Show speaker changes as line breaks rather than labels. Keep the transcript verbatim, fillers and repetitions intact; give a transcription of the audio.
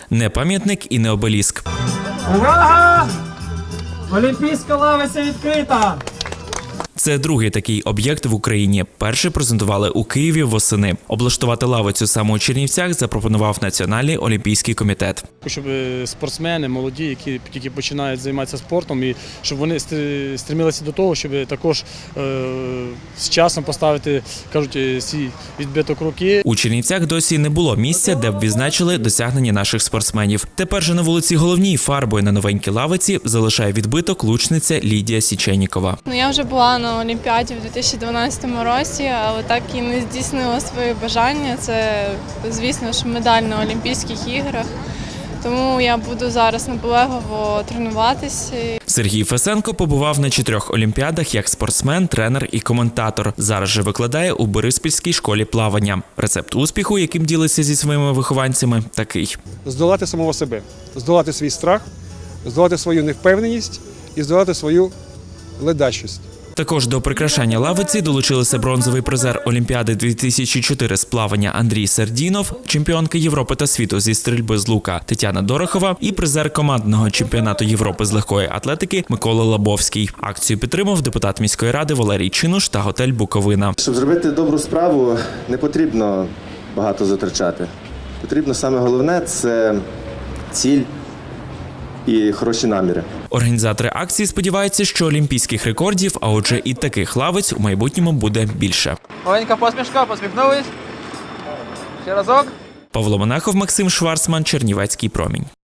Не пам'ятник і не обеліск.
Увага! Олімпійська лавиця відкрита!
Це другий такий об'єкт в Україні. Перший презентували у Києві восени. Облаштувати лавицю саме у Чернівцях запропонував Національний олімпійський комітет.
Щоб спортсмени, молоді, які тільки починають займатися спортом, і щоб вони стремилися до того, щоб також е, з часом поставити, кажуть, свій відбиток руки.
У Чернівцях досі не було місця, де б відзначили досягнення наших спортсменів. Тепер же на вулиці Головній фарбою на новенькій лавиці залишає відбиток лучниця Лідія Січенікова.
Ну, я вже була на Олімпіаді в дві тисячі дванадцятому році, але так і не здійснила своє бажання. Це, звісно ж, медаль на Олімпійських іграх. Тому я буду зараз наполегливо тренуватися.
Сергій Фесенко побував на чотирьох олімпіадах як спортсмен, тренер і коментатор. Зараз же викладає у Бориспільській школі плавання. Рецепт успіху, яким ділиться зі своїми вихованцями, такий.
Здолати самого себе, здолати свій страх, здолати свою невпевненість і здолати свою ледачість.
Також до прикрашання лавиці долучилися бронзовий призер Олімпіади дві тисячі чотири з плавання Андрій Сердінов, чемпіонка Європи та світу зі стрільби з лука Тетяна Дорохова і призер командного чемпіонату Європи з легкої атлетики Микола Лабовський. Акцію підтримав депутат міської ради Валерій Чинуш та готель «Буковина».
Щоб зробити добру справу, не потрібно багато затрачати. Потрібно саме головне – це ціль і хороші наміри.
Організатори акції сподіваються, що олімпійських рекордів, а отже і таких лавиць у майбутньому буде більше.
Маленька посмішка, посміхнулись. Ще разок.
Павло Монахов, Максим Шварцман, Чернівецький промінь.